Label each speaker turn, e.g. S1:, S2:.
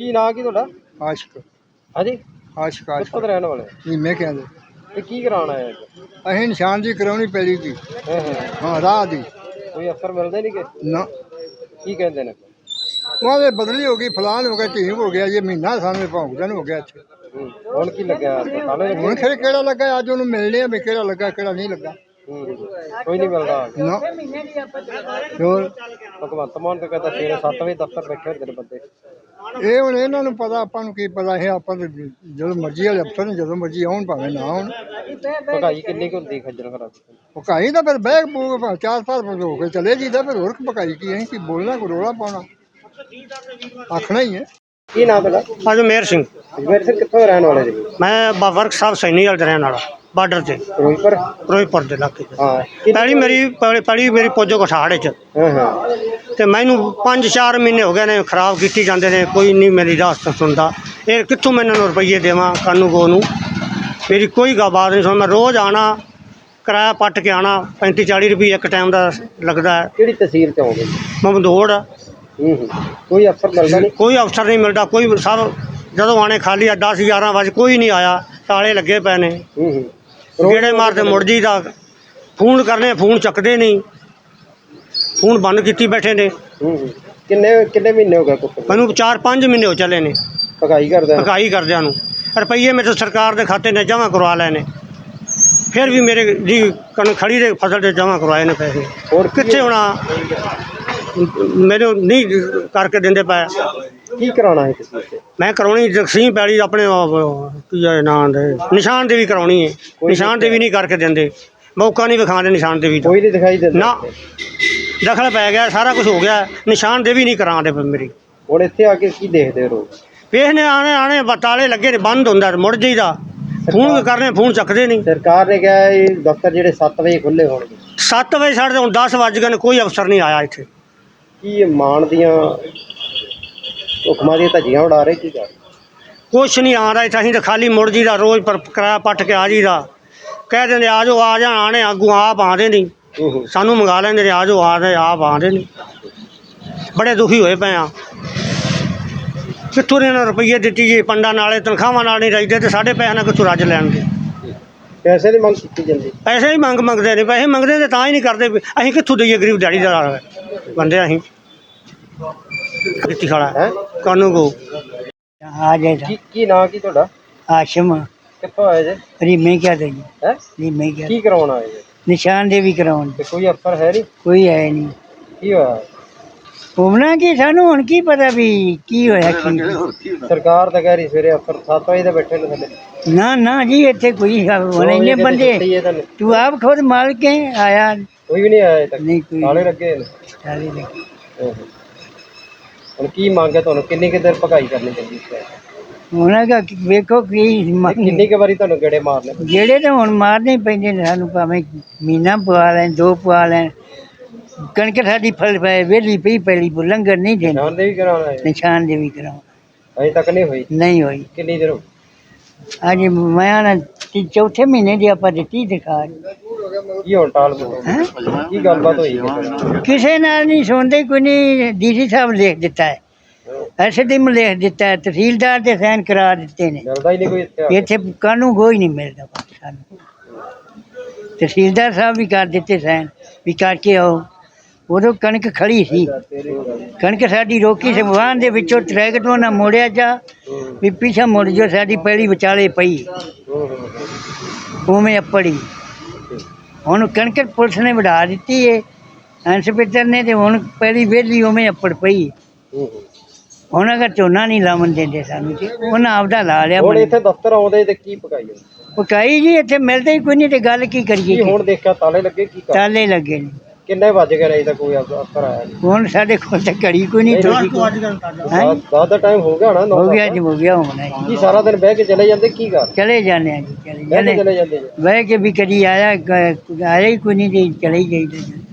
S1: ਕੀ ਨਾਂ ਕੀ ਤੁਹਾਡਾ?
S2: ਆਸ਼ਕ
S1: ਹਾਂਜੀ,
S2: ਆਸ਼ਕ
S1: ਕਿੱਥੋਂ ਦੇ ਰਹਿਣ ਵਾਲੇ?
S2: ਮੈਂ ਕਹਿੰਦੇ
S1: ਤੇ ਕੀ ਕਰਾਉਣਾ ਹੈ?
S2: ਅਸੀਂ ਨਿਸ਼ਾਨ ਦੀ ਕਰਾਉਣੀ ਪੈਲੀ ਦੀ
S1: ਹਾਂ
S2: ਹਾਂ ਰਾਹ ਦੀ
S1: ਕੋਈ ਅਫਸਰ ਮਿਲਦੇ ਨਹੀਂ ਕਿ?
S2: ਨਾ
S1: ਕੀ ਕਹਿੰਦੇ ਨੇ?
S2: ਉਹਦੇ ਬਦਲੀ ਹੋ ਗਈ ਫਲਾਨ ਹੋ ਗਿਆ ਢੀਂਗ ਹੋ ਗਿਆ ਇਹ ਮਹੀਨਾ ਸਾਨੂੰ ਭੌਂਕਦਨ ਹੋ ਗਿਆ ਇੱਥੇ
S1: ਹੁਣ ਕੀ ਲੱਗਿਆ? ਤਾਲੇ
S2: ਹੁਣ ਖਰੇ ਕਿਹੜਾ ਲੱਗਾ ਅੱਜ ਉਹਨੂੰ ਮਿਲਣੇ ਆ ਵੀ ਕਿਹੜਾ ਲੱਗਾ ਕਿਹੜਾ ਨਹੀਂ ਲੱਗਾ
S1: ਕੋਈ ਨਹੀਂ ਮਿਲਦਾ।
S2: ਨਾ ਹੋਰ
S1: ਭਗਵੰਤ ਮਾਨ ਤਾਂ ਕਹਿੰਦਾ ਸਵੇਰੇ 7 ਵਜੇ ਦਫ਼ਤਰ ਬੈਠੇ ਹੁੰਦੇ ਨੇ ਬੰਦੇ।
S2: ਇਹ ਹੁਣ ਇਹਨਾਂ ਨੂੰ ਪਤਾ ਆਪਾਂ ਨੂੰ ਕੀ ਪਤਾ ਇਹ ਆਪਾਂ ਤਾਂ ਜਦੋਂ ਮਰਜ਼ੀ ਵਾਲੇ ਅਫਸਰ ਨੇ ਜਦੋਂ ਮਰਜ਼ੀ ਆਉਣ ਭਾਵੇਂ ਨਾ ਆਉਣ।
S1: ਭਗਾਈ ਕਿੰਨੀ ਕੁ ਹੁੰਦੀ ਖੱਜਲ ਖਰਾਬ?
S2: ਪਕਾਈ ਤਾਂ ਫਿਰ ਬਹਿ ਬੂਗ 4-5 ਹੋ ਕੇ ਚਲੇ ਜੀਦਾ ਫਿਰ ਹੋਰ ਪਕਾਈ ਕੀ ਅਸੀਂ ਕੀ ਬੋਲਣਾ ਕੋਈ ਰੋਲਾ ਪਾਉਣਾ ਆਖਣਾ ਹੀ ਹੈ।
S1: ਕੀ ਨਾਮ ਤੁਹਾਡਾ?
S3: ਅਜਮੇਰ ਸਿੰਘ।
S1: ਅਜਮੇਰ ਸਿੰਘ ਕਿੱਥੋਂ ਦੇ ਰਹਿਣ ਵਾਲੇ ਜੀ?
S3: ਮੈਂ ਵਰਕ ਸਾਹਿਬ ਸੈਣੀ ਵਾਲੇ ਰਹਿਣ ਵਾਲਾ ਬਾਰਡਰ ਤੇ ਫਿਰੋਜ਼ਪੁਰ ਦੇ ਇਲਾਕੇ 'ਚ।
S1: ਹਾਂ
S3: ਪਹਿਲੀ ਮੇਰੀ ਪੋਜੋ ਕਠਾੜ 'ਚ
S1: ਹਾਂ
S3: ਤੇ ਮੈਨੂੰ 5-4 ਮਹੀਨੇ ਹੋ ਗਏ ਨੇ ਖਰਾਬ ਕੀਤੀ ਜਾਂਦੇ ਨੇ ਕੋਈ ਨਹੀਂ ਮੇਰੀ ਦਾਸਤ ਸੁਣਦਾ। ਇਹ ਕਿੱਥੋਂ ਮੈਂ ਇਹਨਾਂ ਨੂੰ ਰੁਪਈਏ ਦੇਵਾਂ ਕਾਨੂੰ ਕੋ ਨੂੰ ਮੇਰੀ ਕੋਈ ਬਾਤ ਨਹੀਂ ਸੁਣ। ਮੈਂ ਰੋਜ਼ ਆਉਣਾ ਕਿਰਾਇਆ ਪੱਟ ਕੇ ਆਉਣਾ 35-40 ਰੁਪਏ ਇੱਕ ਟਾਈਮ ਦਾ ਲੱਗਦਾ ਹੈ।
S1: ਕਿਹੜੀ ਤਹਿਸੀਲ 'ਚ ਆਉਂਦੇ?
S3: ਮਮਦੋੜ।
S1: ਕੋਈ ਅਫਸਰ ਮਿਲਦਾ ਨਹੀਂ?
S3: ਕੋਈ ਅਫਸਰ ਨਹੀਂ ਮਿਲਦਾ। ਕੋਈ ਸਭ ਜਦੋਂ ਆਣੇ ਖਾਲੀ ਆ 10-11 ਵਜੇ ਕੋਈ ਨਹੀਂ ਆਇਆ। ਤਾਲੇ ਲੱਗੇ ਪਏ ਨੇ ਗੇੜੇ ਮਾਰਦੇ ਮੁੜ ਜੀ ਦਾ ਫੋਨ ਕਰਨੇ ਫੋਨ ਚੱਕਦੇ ਨਹੀਂ ਫੋਨ ਬੰਦ ਕੀਤੀ ਬੈਠੇ ਨੇ।
S1: ਕਿੰਨੇ ਮਹੀਨੇ ਹੋ ਗਏ
S3: ਮੈਨੂੰ 4-5 ਮਹੀਨੇ ਹੋ ਚੱਲੇ ਨੇ
S1: ਭਗਾਈ
S3: ਕਰਦਿਆਂ ਨੂੰ। ਰੁਪਈਏ ਮੇਰੇ ਸਰਕਾਰ ਦੇ ਖਾਤੇ ਨੇ ਜਮ੍ਹਾਂ ਕਰਵਾ ਲਏ ਨੇ ਫਿਰ ਵੀ ਮੇਰੇ ਜੀ ਖੜੀ ਦੇ ਫਸਲ 'ਤੇ ਜਮ੍ਹਾਂ ਕਰਵਾਏ ਨੇ ਪੈਸੇ। ਹੋਰ ਕਿੱਥੇ ਹੋਣਾ ਮੈਨੂੰ ਨਹੀਂ ਕਰਕੇ ਦਿੰਦੇ ਪਏ।
S1: ਕੀ ਕਰਾਉਣਾ ਹੈ ਤੁਸੀਂ?
S3: ਮੈਂ ਕਰਾਉਣੀ ਜਗਸੀਂਹ ਪੈਲੀ ਆਪਣੇ ਕੀ ਨਾਂ ਦੇ ਨਿਸ਼ਾਨ ਦੇਵੀ ਕਰਾਉਣੀ ਹੈ। ਨਿਸ਼ਾਨ ਦੇਵੀ ਨਹੀਂ ਕਰਕੇ ਦਿੰਦੇ ਮੌਕਾ ਨਹੀਂ ਵਿਖਾਉਂਦੇ ਨਿਸ਼ਾਨ ਦੇਵੀ
S1: ਕੋਈ ਨਹੀਂ ਦਿਖਾਈ ਦਿੰਦਾ
S3: ਨਾ। ਦਖਲ ਪੈ ਗਿਆ ਸਾਰਾ ਕੁਝ ਹੋ ਗਿਆ ਨਿਸ਼ਾਨ ਦੇਵੀ ਨਹੀਂ ਕਰਾਉਂਦੇ ਮੇਰੀ।
S1: ਹੁਣ ਇੱਥੇ ਆ ਕੇ ਕੀ ਦੇਖਦੇ ਰਹੋ?
S3: ਵੇਖਨੇ ਆਣੇ ਤਾਲੇ ਲੱਗੇ ਨੇ ਬੰਦ ਹੁੰਦਾ ਮੁੜ ਜਾਈਦਾ ਫੋਨ ਕਰਨੇ ਫੋਨ ਚੱਕਦੇ ਨਹੀਂ।
S1: ਸਰਕਾਰ ਨੇ ਕਿਹਾ ਇਹ ਦਫ਼ਤਰ ਜਿਹੜੇ 7 ਵਜੇ ਖੁੱਲ੍ਹੇ ਹੋਣਗੇ।
S3: 7 ਵਜੇ ਸਾਡੇ ਹੁਣ 10 ਵੱਜ ਗਏ ਨੇ ਕੋਈ ਅਫਸਰ ਨਹੀਂ ਆਇਆ ਇੱਥੇ।
S1: ਕੀ ਮਾਣ ਦੀਆਂ ਹੁਕਮਾਂ ਦੀਆਂ ਧੱਜੀਆਂ ਉਡਾ ਰਹੇ ਕੀ ਕਰ?
S3: ਕੁਛ ਨਹੀਂ ਆ ਰਿਹਾ ਇੱਥੇ। ਅਸੀਂ ਤਾਂ ਖਾਲੀ ਮੁੜ ਜੀਦਾ ਰੋਜ਼ ਪਰ ਕਿਰਾਇਆ ਪੱਟ ਕੇ ਆ ਜੀਦਾ ਕਹਿ ਦਿੰਦੇ ਆ ਜਾਓ ਆ ਜਾਣ ਆਣੇ ਅੱਗੋਂ ਆਪ ਆਉਂਦੇ ਨਹੀਂ ਸਾਨੂੰ ਮੰਗਾ ਲੈਂਦੇ ਨੇ ਆ ਜਾਓ ਆਪ ਆਉਂਦੇ ਨਹੀਂ। ਬੜੇ ਦੁਖੀ ਹੋਏ ਪਏ ਆ। ਕਿੱਥੋਂ ਇਹਨਾਂ ਰੁਪਈਏ ਦਿੱਤੀ ਜੀ ਪੰਡਾਂ ਨਾਲੇ ਤਨਖਾਹਾਂ ਨਾਲ ਨਹੀਂ ਰੱਜਦੇ ਤੇ ਸਾਡੇ ਪੈਸੇ ਨਾਲ ਕਿੱਥੋਂ ਰੱਜ ਲੈਣਗੇ?
S1: ਪੈਸੇ ਦੀ ਮੰਗ ਕੀਤੀ ਜਾਂਦੀ?
S3: ਪੈਸੇ ਹੀ ਮੰਗਦੇ ਨੇ ਪੈਸੇ ਮੰਗਦੇ ਤੇ ਤਾਂ ਹੀ ਨਹੀਂ ਕਰਦੇ। ਅਸੀਂ ਕਿੱਥੋਂ ਦਈਏ ਗਰੀਬ ਦਿਹਾੜੀਦਾਰ ਬੰਦੇ ਅਸੀਂ ਕੀਤੀ ਖੜਾ ਕਾਨੂੰ ਕੋ
S4: ਆ ਜਾਏ।
S1: ਕੀ ਨਾਂ ਕੀ ਤੁਹਾਡਾ?
S4: ਆਸ਼ਮ।
S1: ਕਿੱਥੋਂ ਆਏ ਜੇ?
S4: ਰੀਮੇ ਕਿਆ ਦੇ ਜੀ?
S1: ਹੈ
S4: ਰੀਮੇ ਕਿਆ
S1: ਕੀ ਕਰਾਉਣ ਆਏ ਜੇ?
S4: ਨਿਸ਼ਾਨ ਦੇਵੀ ਕਰਾਉਣ।
S1: ਤੇ ਕੋਈ ਅਫਸਰ ਹੈ ਨਹੀਂ?
S4: ਕੋਈ ਹੈ ਨਹੀਂ।
S1: ਕੀ ਹੋਇਆ?
S4: ਘੁੰਮਣਾ ਕੀ ਸਾਨੂੰ ਹੁਣ ਕੀ ਪਤਾ ਵੀ ਕੀ ਹੋਇਆ ਕੀ।
S1: ਸਰਕਾਰ ਤਾਂ ਕਹਿ ਰਹੀ ਸਵੇਰੇ ਅਫਸਰ 7 ਵਜੇ ਦੇ ਬੈਠੇ ਨੇ ਥੱਲੇ।
S4: ਨਾ ਜੀ ਇੱਥੇ ਕੋਈ ਹੋਣੇ ਬੰਦੇ ਤੂੰ ਆਪ ਖੁਦ ਮਾਲਕ ਹੈ ਆਇਆ
S1: ਕੋਈ ਵੀ ਨਹੀਂ ਆਇਆ ਤੱਕ?
S4: ਨਹੀਂ ਕੋਈ
S1: ਤਾਲੇ ਲੱਗੇ ਨੇ।
S4: ਤਾਲੇ ਲੱਗੇ।
S1: ਹੁਣ ਕੀ ਮੰਗ ਹੈ ਤੁਹਾਨੂੰ? ਕਿੰਨੀ ਕੁ ਦੇਰ ਭਗਾਈ ਕਰਨੀ ਚਾਹੀਦੀ ਹੈ?
S4: ਉਹਨਾਂ ਦਾ ਵੇਖੋ ਕੀ
S1: ਕਿੰਨੀ ਕੁ ਵਾਰੀ ਤੁਹਾਨੂੰ ਗੇੜੇ ਮਾਰਨੇ?
S4: ਜਿਹੜੇ ਤਾਂ ਹੁਣ ਮਾਰਨੇ ਹੀ ਪੈਂਦੇ ਨੇ ਸਾਨੂੰ ਭਾਵੇਂ ਮਹੀਨਾ ਪਵਾ ਲੈਣ 2 ਪਵਾ ਲੈਣ। ਕਣਕ ਸਾਡੀ ਫਲ ਪਏ ਵਿਹਲੀ ਪਈ ਪਹਿਲੀ ਲੰਗਰ ਨਹੀਂ ਦੇਣਾ।
S1: ਨਿਸ਼ਾਨ ਦੇਵੀ ਕਰਾਉਣਾ ਹੈ?
S4: ਨਿਸ਼ਾਨ ਦੇਵੀ ਕਰਾਉਣਾ
S1: ਅਜੇ ਤੱਕ ਨਹੀਂ ਹੋਈ? ਕਿੰਨੀ ਦੇਰ ਹੋ?
S4: ਅੱਜ ਮੈਂ ਨਾ ਚੌਥੇ ਮਹੀਨੇ ਦੀ ਆਪਾਂ ਦਿੱਤੀ ਦਿਖਾ।
S1: ਕੀ ਹੁਣ ਟਾਲ ਕੀ ਗੱਲਬਾਤ ਹੋਈ?
S4: ਕਿਸੇ ਨਾਲ ਨਹੀਂ ਸੁਣਦੇ ਕੋਈ ਨਹੀਂ। ਡੀਸੀ ਸਾਹਿਬ ਲਿਖ ਦਿੱਤਾ ਹੈ ਐਸਡੀਐਮ ਲਿਖ ਦਿੱਤਾ ਹੈ ਤਹਿਸੀਲਦਾਰ ਦੇ ਸਾਈਨ ਕਰਾ ਦਿੱਤੇ ਨੇ।
S1: ਮਿਲਦਾ ਹੀ ਨਹੀਂ ਕੋਈ
S4: ਇੱਥੇ ਕਾਨੂੰ ਕੋਈ ਨਹੀਂ ਮਿਲਦਾ ਸਾਨੂੰ। ਤਹਿਸੀਲਦਾਰ ਸਾਹਿਬ ਵੀ ਕਰ ਦਿੱਤੇ ਸਾਈਨ ਵੀ ਕਰਕੇ ਆਓ। ਉਦੋਂ ਕਣਕ ਖੜੀ ਸੀ ਕਣਕ ਸਾਡੀ ਰੋਕੀ ਸੀ ਵਾਹਨ ਦੇ ਵਿੱਚੋਂ ਟਰੈਕਟਰ ਨਾਲ ਮੋੜਿਆ ਜਾ ਵੀ ਪਿੱਛਾ ਮੁੜ ਜੋ ਸਾਡੀ ਪੈਲੀ ਵਿਚਾਲੇ ਪਈ ਉਵੇਂ ਅੱਪੜੀ। ਹੁਣ ਕਣਕ ਪੁਲਿਸ ਨੇ ਵਢਾ ਦਿੱਤੀ ਹੈ ਇੰਸਪੈਕਟਰ ਨੇ ਤੇ ਹੁਣ ਪੈਲੀ ਵਿਹਲੀ ਉਵੇਂ ਅੱਪੜ ਪਈ। ਹੁਣ ਅਗਰ ਝੋਨਾ ਨਹੀਂ ਲਾਉਣ ਦਿੰਦੇ ਸਾਨੂੰ ਤੇ ਉਹਨਾਂ ਆਪਦਾ ਲਾ ਲਿਆ।
S1: ਹੁਣ ਇੱਥੇ ਦਫ਼ਤਰ ਆਉਂਦੇ ਤੇ ਕੀ ਪਕਾਈ?
S4: ਪਕਾਈ ਜੀ ਇੱਥੇ ਮਿਲਦਾ ਹੀ ਕੋਈ ਨਹੀਂ ਤੇ ਗੱਲ ਕੀ ਕਰੀਏ?
S1: ਹੁਣ ਦੇਖਿਆ ਤਾਲੇ ਲੱਗੇ? ਕੀ
S4: ਤਾਲੇ ਲੱਗੇ ਨੇ।
S1: ਕਿੰਨੇ ਵੱਜ ਗਏ? ਅਜੇ ਤੱਕ ਕੋਈ ਅਫਸਰ ਆਇਆ ਨਹੀਂ?
S4: ਹੁਣ ਸਾਡੇ ਕੋਲ ਤਾਂ ਘੜੀ ਕੋਈ ਨਹੀਂ।
S1: 10 ਦਾ ਟਾਈਮ ਹੋ ਗਿਆ ਹੋਣਾ?
S4: ਹੋ ਗਿਆ ਜੀ ਹੋ ਗਿਆ ਹੋਣਾ ਜੀ।
S1: ਕੀ ਸਾਰਾ ਦਿਨ ਬਹਿ ਕੇ ਚਲੇ ਜਾਂਦੇ? ਕੀ ਕਰ
S4: ਚਲੇ ਜਾਂਦੇ ਆ ਜੀ
S1: ਚਲੇ ਜਾਂਦੇ?
S4: ਬਹਿ ਕੇ ਵੀ ਕਦੀ ਆਇਆ ਹੀ ਕੋਈ ਨਹੀਂ ਤੇ ਚਲੇ ਹੀ ਜਾਈਦਾ।